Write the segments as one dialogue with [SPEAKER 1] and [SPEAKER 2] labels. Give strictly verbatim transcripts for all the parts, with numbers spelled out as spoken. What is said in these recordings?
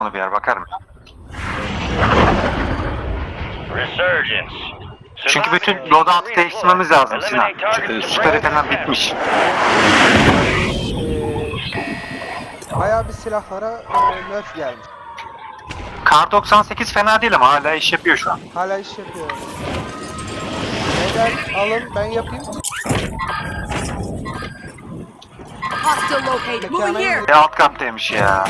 [SPEAKER 1] Onu bir yer bakar mı?
[SPEAKER 2] Resurgence.
[SPEAKER 1] Çünkü bütün loadout değiştirmemiz lazım Sinan. Çünkü süper etenen bitmiş.
[SPEAKER 3] Ee, bayağı bir silahlara e, nerf gelmiş.
[SPEAKER 1] Kar doksan sekiz fena değil ama hala iş yapıyor şu an.
[SPEAKER 3] Hala iş yapıyor. Beyler alın ben yapayım.
[SPEAKER 4] Hostile locate. Moving here.
[SPEAKER 1] Bir alt kattaymış ya.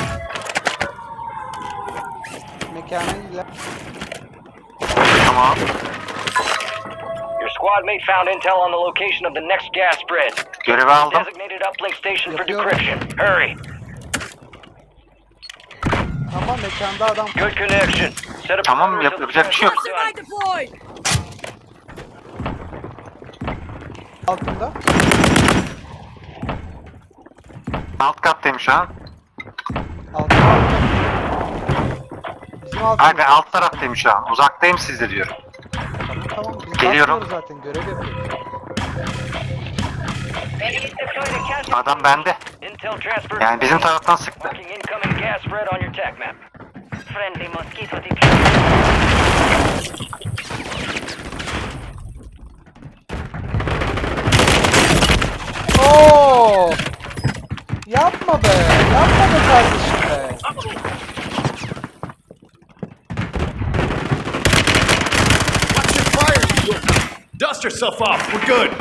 [SPEAKER 3] Mekana iler.
[SPEAKER 1] Tamam.
[SPEAKER 2] Your squad mate found intel on the location of the next gas spread.
[SPEAKER 1] Görevi aldım.
[SPEAKER 2] Designated uplink station for
[SPEAKER 3] Yapıyorum.
[SPEAKER 2] decryption. Hurry.
[SPEAKER 3] Ama mekanda adam.
[SPEAKER 2] Good connection. Set up
[SPEAKER 1] Tamam,
[SPEAKER 2] perimeter
[SPEAKER 1] yap-
[SPEAKER 2] till the
[SPEAKER 1] yapacak bir şey yok.
[SPEAKER 2] transfer's
[SPEAKER 4] Cluster
[SPEAKER 2] done.
[SPEAKER 4] mine deployed.
[SPEAKER 3] Altında.
[SPEAKER 1] Alt kattayım şu an.
[SPEAKER 3] Altında. Bizim altında.
[SPEAKER 1] Hayır ben alt taraftayım şu an. Uzaktayım sizde diyorum.
[SPEAKER 3] Tamam tamam. Biz
[SPEAKER 1] Geliyorum.
[SPEAKER 3] bakmıyoruz zaten görev yapıyoruz.
[SPEAKER 1] Adam bende.
[SPEAKER 2] Intel transfer.
[SPEAKER 1] Yani bizim taraftan sıktı.
[SPEAKER 2] Marking incoming gas spread on your tac map.
[SPEAKER 5] Friendly mosquito deployed.
[SPEAKER 3] Oo! Yapma be. Yapma be kardeşim be.
[SPEAKER 6] Watch your fire, you dust yourself off. We're good.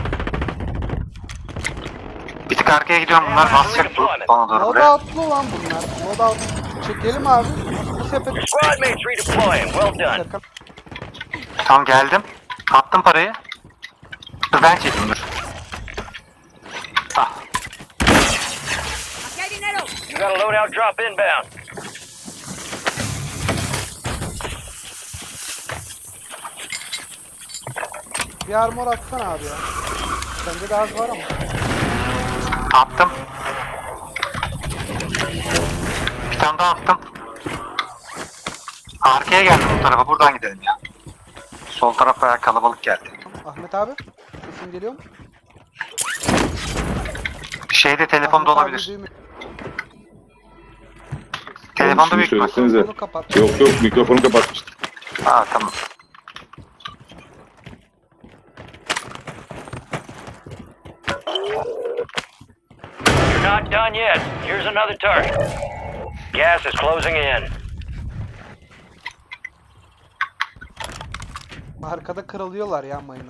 [SPEAKER 1] Bir tık arkaya gidiyorum bunlar basacak bu bana doğru buraya.
[SPEAKER 3] Loadout'lu lan bunlar. Loadout. Çekelim abi. Bu sepet.
[SPEAKER 2] Squad mates redeploying. Well done.
[SPEAKER 3] Şaka.
[SPEAKER 1] Tamam geldim. Attım parayı. Dur ben çekeyim dur. Ah.
[SPEAKER 4] Getting arrow.
[SPEAKER 2] You got a loadout drop inbound.
[SPEAKER 3] Bir armor atsana abi ya. Bende de az var ama.
[SPEAKER 1] Attım. Bir tane daha attım. Arkaya geldim bu tarafa. Buradan gidelim ya. Sol taraf bayağı kalabalık geldi.
[SPEAKER 3] Ahmet abi. Sesin geliyor mu?
[SPEAKER 1] Şeyde telefonda
[SPEAKER 3] Ahmet abi
[SPEAKER 1] olabilir.
[SPEAKER 3] duymuyor.
[SPEAKER 1] Telefonda
[SPEAKER 7] Şunu
[SPEAKER 1] büyük ihtimal.
[SPEAKER 7] söylesenize.
[SPEAKER 3] Onu kapat.
[SPEAKER 7] Yok yok mikrofonu kapatmıştım.
[SPEAKER 1] Aa tamam.
[SPEAKER 2] You're not done yet. Here's another target. Gas is closing in.
[SPEAKER 3] Arkada kırılıyorlar ya mayına.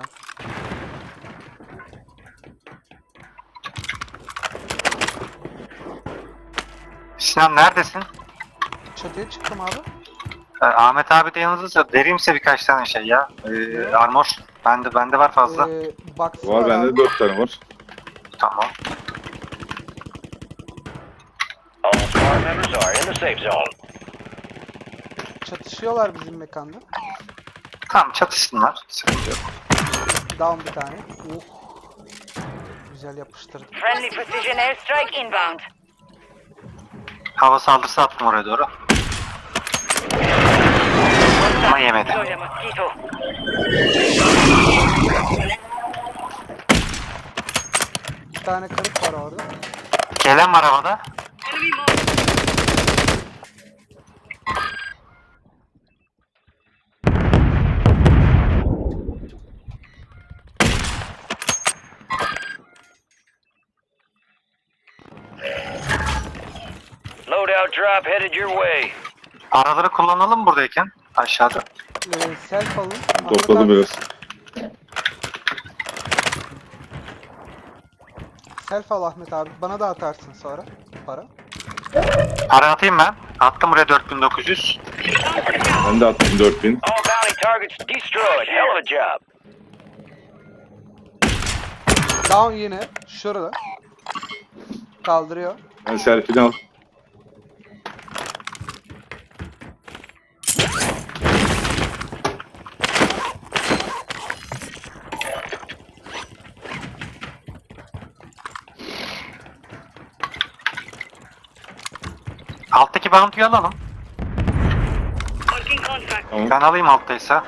[SPEAKER 1] Sinan neredesin?
[SPEAKER 3] Çatıya çıktım abi.
[SPEAKER 1] Ee, Ahmet abi de yanınızda. Vereyim size birkaç tane şey ya. Ee, armor. Bende bende var fazla.
[SPEAKER 3] Ee, box
[SPEAKER 7] Var bende
[SPEAKER 3] abi.
[SPEAKER 7] de dört tane var.
[SPEAKER 1] Tamam.
[SPEAKER 2] All squad members are in the safe zone.
[SPEAKER 3] Çatışıyorlar bizim mekanda.
[SPEAKER 1] Tamam çatışsınlar. Sıkıntı yok.
[SPEAKER 3] Down bir tane. Uh. Güzel yapıştırdım.
[SPEAKER 5] Friendly precision airstrike inbound.
[SPEAKER 1] Hava saldırısı attım oraya doğru. Ama yemedi.
[SPEAKER 5] Deploy the mosquito.
[SPEAKER 3] Bir tane kırık var orada.
[SPEAKER 1] Gelen var havada.
[SPEAKER 5] Enemy mark.
[SPEAKER 2] Loadout drop headed your way.
[SPEAKER 1] Paraları kullanalım buradayken. Aşağıda.
[SPEAKER 3] Ee, self alın. Ahmet
[SPEAKER 7] Topladım
[SPEAKER 3] abi,
[SPEAKER 7] biraz.
[SPEAKER 3] Self al Ahmet abi. Bana da atarsın sonra. Para.
[SPEAKER 1] Para atayım ben. Attım buraya dört bin dokuz yüz.
[SPEAKER 7] Ben de attım dört bin.
[SPEAKER 2] All bounty targets destroyed. Hell of a job.
[SPEAKER 3] Down yine. Şurada. Kaldırıyor.
[SPEAKER 7] Ben selfie'ni al.
[SPEAKER 1] Alttaki bounty'yi alalım.
[SPEAKER 5] Marking contract.
[SPEAKER 7] Tamam.
[SPEAKER 1] Ben alayım alttaysa.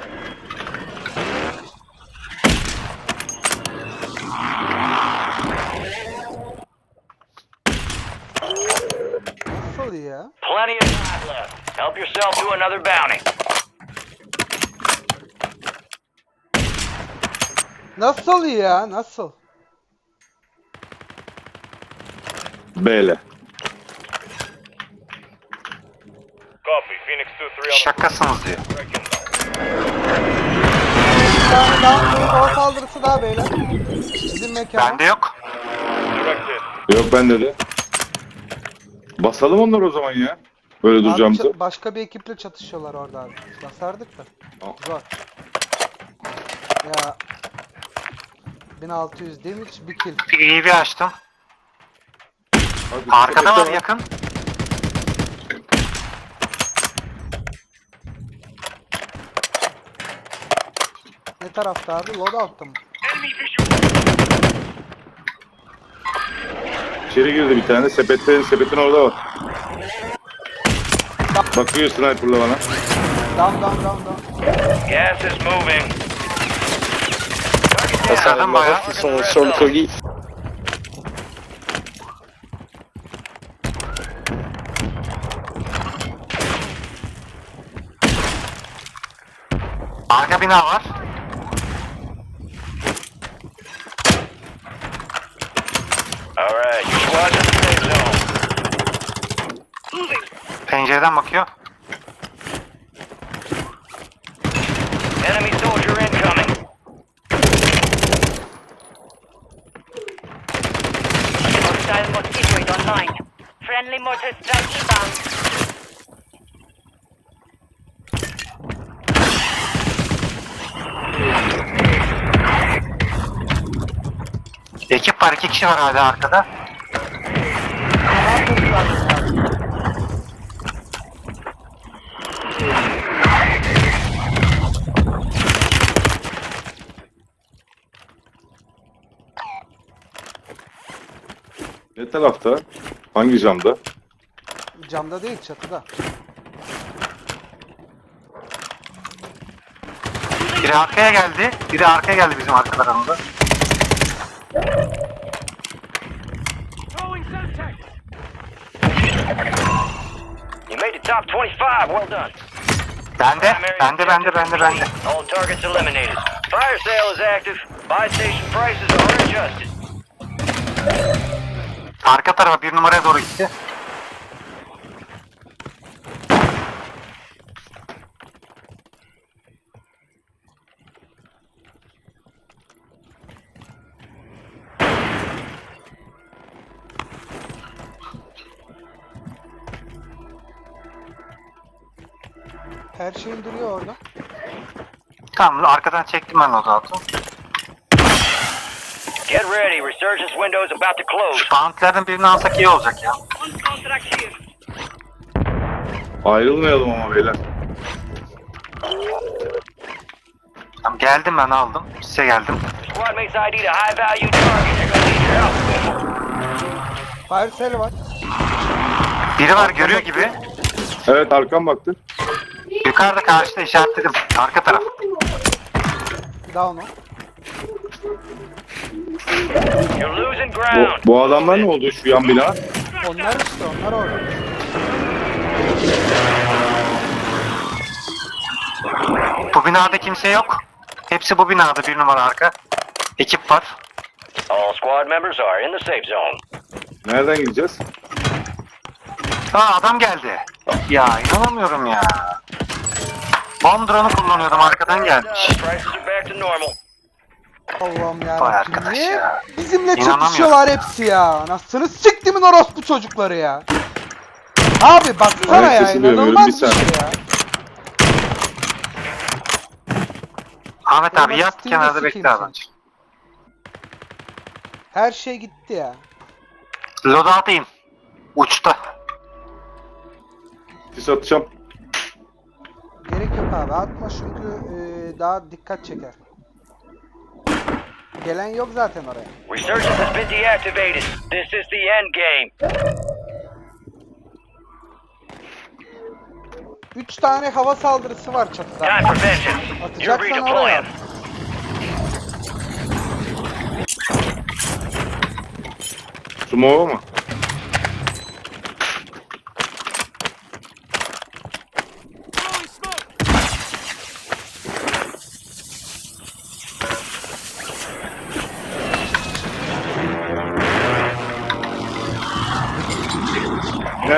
[SPEAKER 3] Nasıl Nasıl ya?
[SPEAKER 2] Plenty of time left. Help yourself to another bounty.
[SPEAKER 3] Nasıl ya? Nasıl?
[SPEAKER 7] B'le.
[SPEAKER 6] Copy. Phoenix two three on
[SPEAKER 1] Şakasınız diyor.
[SPEAKER 3] Bir tane daha hava saldırısı daha beyler. Bizim mekana.
[SPEAKER 1] Bende yok.
[SPEAKER 6] directed.
[SPEAKER 7] Yok bende de. Basalım onları o zaman ya. Böyle
[SPEAKER 3] Abi
[SPEAKER 7] duracağımızı.
[SPEAKER 3] ça- başka bir ekiple çatışıyorlar orada abi. Basardık da.
[SPEAKER 7] Tamam.
[SPEAKER 3] Zor. Ya bin altı yüz damage bir kill.
[SPEAKER 1] Bir iyi bir açtım.
[SPEAKER 7] Hadi,
[SPEAKER 1] Arkada
[SPEAKER 7] sepette
[SPEAKER 1] var yakın.
[SPEAKER 3] Ne tarafta abi? Loadout'ta mı?
[SPEAKER 7] İçeri girdi bir tane. Sepette, sepetin orada var. Bakıyor sniper'la bana.
[SPEAKER 3] Down down down down.
[SPEAKER 2] Gas is moving.
[SPEAKER 1] Eserdin bayağı.
[SPEAKER 2] Ils sont sur le colis.
[SPEAKER 1] Arka bina var.
[SPEAKER 2] Alright, your squad's in the safe zone.
[SPEAKER 1] Pencereden bakıyor.
[SPEAKER 2] Enemy soldier incoming.
[SPEAKER 5] Hostile mosquitoid online. Friendly mortar strike inbound.
[SPEAKER 1] Ekip var, iki kişi var hala arkada.
[SPEAKER 7] Ne tarafta? Hangi camda?
[SPEAKER 3] Camda değil çatıda.
[SPEAKER 1] Biri arkaya geldi. Biri arkaya geldi bizim arkalarımızda.
[SPEAKER 2] You made the top twenty-five. Well done.
[SPEAKER 1] Bende, bende, bende, bende, bende.
[SPEAKER 2] All targets eliminated. Fire sale is active. Buy station prices are adjusted.
[SPEAKER 1] Arka tarafa bir numaraya doğru gitti.
[SPEAKER 3] Her şeyin duruyor orada.
[SPEAKER 1] Tamam, arkadan çektim ben loadout'u.
[SPEAKER 2] Get ready. Resurgence window is about to close.
[SPEAKER 1] Bounty'lerden birini alsak iyi olacak ya.
[SPEAKER 5] On contract here.
[SPEAKER 7] Ayrılmayalım ama beyler.
[SPEAKER 1] Tamam, geldim ben aldım. Size geldim.
[SPEAKER 2] Squad mates I D a high value target. They're gonna need your help.
[SPEAKER 3] Fire sale var.
[SPEAKER 1] Biri var görüyor gibi.
[SPEAKER 7] Evet arkam baktı.
[SPEAKER 1] Yukarıda karşıda işaretledim. Arka taraf.
[SPEAKER 3] Down o.
[SPEAKER 2] You're losing
[SPEAKER 7] Bu,
[SPEAKER 2] ground.
[SPEAKER 7] bu adamlar ne oldu şu yan bina?
[SPEAKER 3] Onlar işte onlar orada.
[SPEAKER 1] Bu binada kimse yok. Hepsi bu binada, bir numara arka. Ekip var.
[SPEAKER 2] All squad members are in the safe zone.
[SPEAKER 7] Nereden gideceğiz?
[SPEAKER 1] Aa, adam geldi. Ya inanamıyorum ya. Bomb drone'u kullanıyordum, arkadan gelmiş.
[SPEAKER 2] Prices are back to normal.
[SPEAKER 3] Allah'ım
[SPEAKER 1] Vay
[SPEAKER 3] yarabbim.
[SPEAKER 1] arkadaş
[SPEAKER 3] Niye
[SPEAKER 1] ya.
[SPEAKER 3] bizimle
[SPEAKER 1] İnanamıyorum.
[SPEAKER 3] çatışıyorlar hepsi ya? Anasını siktimin orospu çocukları ya. Abi baksana
[SPEAKER 7] Evet,
[SPEAKER 3] ya,
[SPEAKER 7] sesi duyamıyorum,
[SPEAKER 3] inanılmaz
[SPEAKER 7] bir
[SPEAKER 3] bir şey
[SPEAKER 7] saniye.
[SPEAKER 3] ya.
[SPEAKER 1] Ahmet abi
[SPEAKER 3] Ben
[SPEAKER 1] yat
[SPEAKER 3] Steam'de
[SPEAKER 1] kenarda
[SPEAKER 3] sikeyim
[SPEAKER 1] bekle
[SPEAKER 3] seni.
[SPEAKER 1] adam.
[SPEAKER 3] Her şey gitti ya.
[SPEAKER 1] Loadout'a in. Uçta.
[SPEAKER 7] Sis atacağım.
[SPEAKER 3] Gerek yok abi, atma çünkü e, daha dikkat çeker. Gelen yok zaten oraya.
[SPEAKER 2] Resurgence has been deactivated. This is the end game.
[SPEAKER 3] Üç tane hava saldırısı var çatıda.
[SPEAKER 2] Time for vengeance. You're
[SPEAKER 3] Atacaksan oraya.
[SPEAKER 2] redeploying.
[SPEAKER 7] Sumo mu?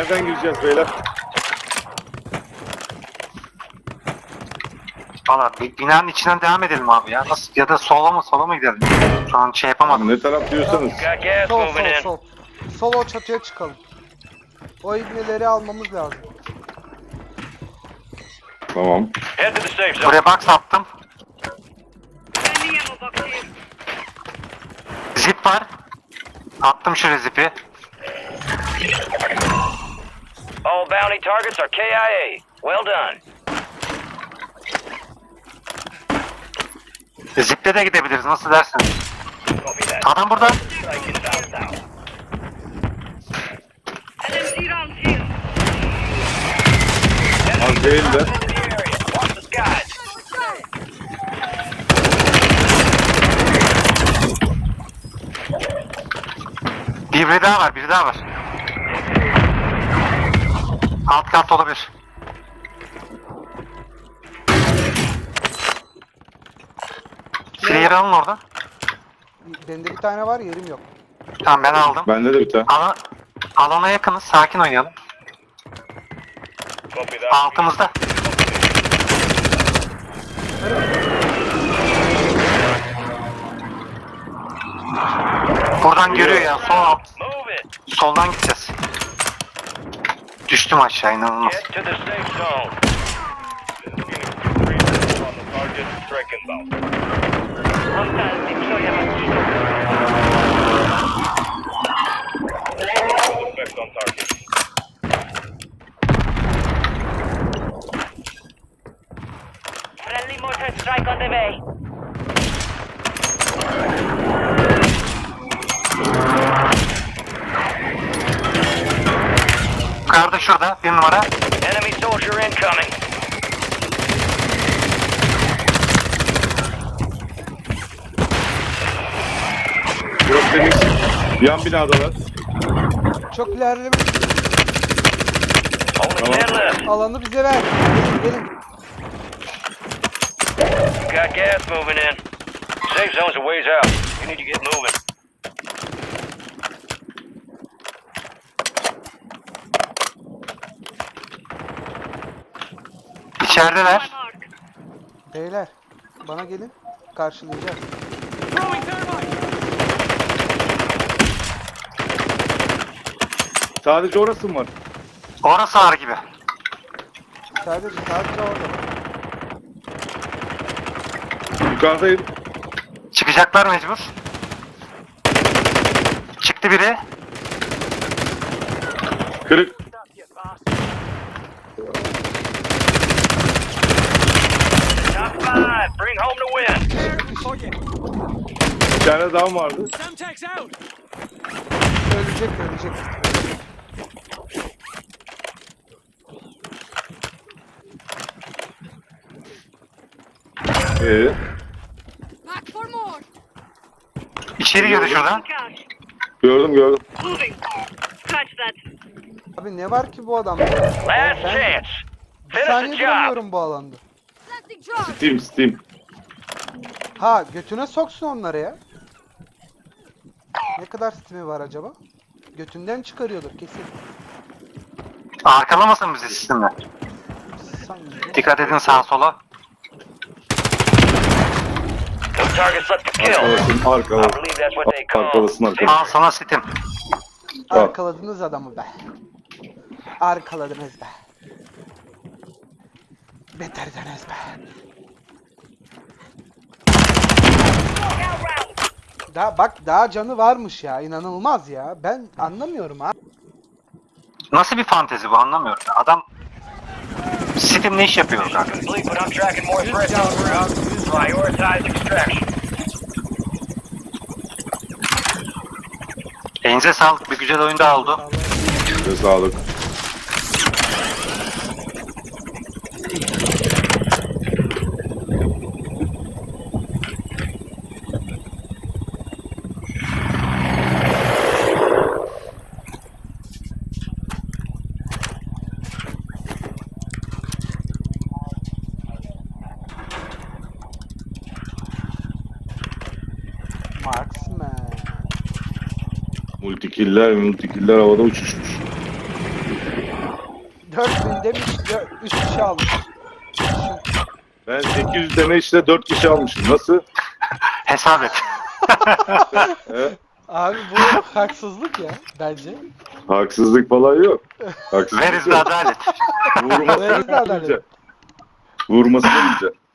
[SPEAKER 7] Nereden gireceğiz beyler?
[SPEAKER 1] Valla bi- binanın içinden devam edelim abi ya. Nasıl ya da sola mı sola mı gidelim? Şu an şey yapamadım.
[SPEAKER 7] Ne taraf diyorsanız.
[SPEAKER 2] Got gas
[SPEAKER 3] Sol
[SPEAKER 2] moving
[SPEAKER 3] sol
[SPEAKER 2] in.
[SPEAKER 3] sol. Sol o çatıya çıkalım. O ibneleri almamız lazım.
[SPEAKER 7] Tamam.
[SPEAKER 2] Head to the safe zone.
[SPEAKER 1] Buraya box attım. Zip var. Attım şuraya zipi.
[SPEAKER 2] All bounty targets are K I A. Well done.
[SPEAKER 1] Ziple de gidebiliriz nasıl dersin?
[SPEAKER 2] Copy that.
[SPEAKER 1] Adam burada.
[SPEAKER 2] Strike inbound now.
[SPEAKER 7] Az değil de.
[SPEAKER 2] The area. Watch the skies.
[SPEAKER 1] Bir biri daha var, biri daha var. Alt kat olabilir. Clear alın orada.
[SPEAKER 3] Bende bir tane var, yerim yok.
[SPEAKER 1] Tamam ben aldım.
[SPEAKER 7] Bende de bir tane.
[SPEAKER 1] Ala, alana yakınız, sakin oynayalım.
[SPEAKER 2] Copy that.
[SPEAKER 1] Altımızda. Buradan görüyor ya, sol alt.
[SPEAKER 2] Move it.
[SPEAKER 1] Soldan gideceğiz. Düştüm aşağı, inanılmaz.
[SPEAKER 2] Get to the safe zone. On the target. Strike inbound.
[SPEAKER 5] Hostile deploy a mosquito.
[SPEAKER 2] Effect on target.
[SPEAKER 5] Friendly mortar strike on the way.
[SPEAKER 1] Yukarıda şurada, bir numara.
[SPEAKER 2] Enemy soldier incoming.
[SPEAKER 7] Burası temiz. Yan binadalar.
[SPEAKER 3] Çok ilerlemiş.
[SPEAKER 2] Only
[SPEAKER 7] Tamam.
[SPEAKER 2] ten left.
[SPEAKER 3] Alanı bize ver. Gelin gelin.
[SPEAKER 2] Got gas moving in. Safe zone's a ways out. You need to get moving.
[SPEAKER 1] İçerideler.
[SPEAKER 3] Beyler bana gelin. Karşılayacağız.
[SPEAKER 7] Sadece orası mı var?
[SPEAKER 1] Orası ağır gibi.
[SPEAKER 3] Sadece sadece orada.
[SPEAKER 7] Yukarıdayım.
[SPEAKER 1] Çıkacaklar mecbur. Çıktı biri.
[SPEAKER 7] Kırık.
[SPEAKER 2] Top five. Bring home the win.
[SPEAKER 7] Bir tane daha mı vardı?
[SPEAKER 3] Ölecek ölecek.
[SPEAKER 7] Ee,
[SPEAKER 4] Back for more.
[SPEAKER 1] İçeri girdi şuradan.
[SPEAKER 7] gördüm gördüm.
[SPEAKER 5] Moving. Catch that.
[SPEAKER 3] Abi ne var ki bu adamda ya?
[SPEAKER 2] Last
[SPEAKER 3] Ben
[SPEAKER 2] chance.
[SPEAKER 3] bir
[SPEAKER 2] Finish the
[SPEAKER 3] saniye
[SPEAKER 2] job.
[SPEAKER 3] duramıyorum bu alanda.
[SPEAKER 4] Planting charge.
[SPEAKER 7] Steam Steam.
[SPEAKER 3] Ha götüne soksun onları ya. Ne kadar stimi var acaba? Götünden çıkarıyordur kesin.
[SPEAKER 1] Arkalamasın bizi sistemle.
[SPEAKER 3] Sanki.
[SPEAKER 1] Dikkat edin sağa sola.
[SPEAKER 2] No targets left to kill.
[SPEAKER 7] Arkalasın
[SPEAKER 2] I
[SPEAKER 7] arkalasın.
[SPEAKER 2] believe that's what they call.
[SPEAKER 7] Arkalasın
[SPEAKER 1] Al
[SPEAKER 7] arkalasın.
[SPEAKER 1] sana sitim.
[SPEAKER 3] Arkaladınız adamı be. Arkaladınız be. Beterdiniz be. Daha bak daha canı varmış ya, inanılmaz ya. Ben anlamıyorum ha.
[SPEAKER 1] Nasıl bir fantezi bu anlamıyorum. Adam Steam ne iş yapıyor zaten?
[SPEAKER 2] Complete, but I'm tracking more threats on the route. Prioritize extraction.
[SPEAKER 1] Elinize sağlık. Bir güzel oyun daha oldu.
[SPEAKER 7] Size sağlık.
[SPEAKER 3] Marksman.
[SPEAKER 7] Multikiller multikiller havada uçuşmuş.
[SPEAKER 3] dört bin demiş, üç kişi almış. Düşün.
[SPEAKER 7] Ben sekiz yüz deme işte dört kişi almışım. Nasıl?
[SPEAKER 1] Hesap et.
[SPEAKER 7] He?
[SPEAKER 3] Abi bu haksızlık ya bence.
[SPEAKER 7] Haksızlık falan yok. Haksızlık
[SPEAKER 1] Where is the
[SPEAKER 7] yok.
[SPEAKER 1] adalet?
[SPEAKER 7] Vurmasını
[SPEAKER 3] Where is the adalet?
[SPEAKER 7] bileceksin. Vurmasını bileceksin.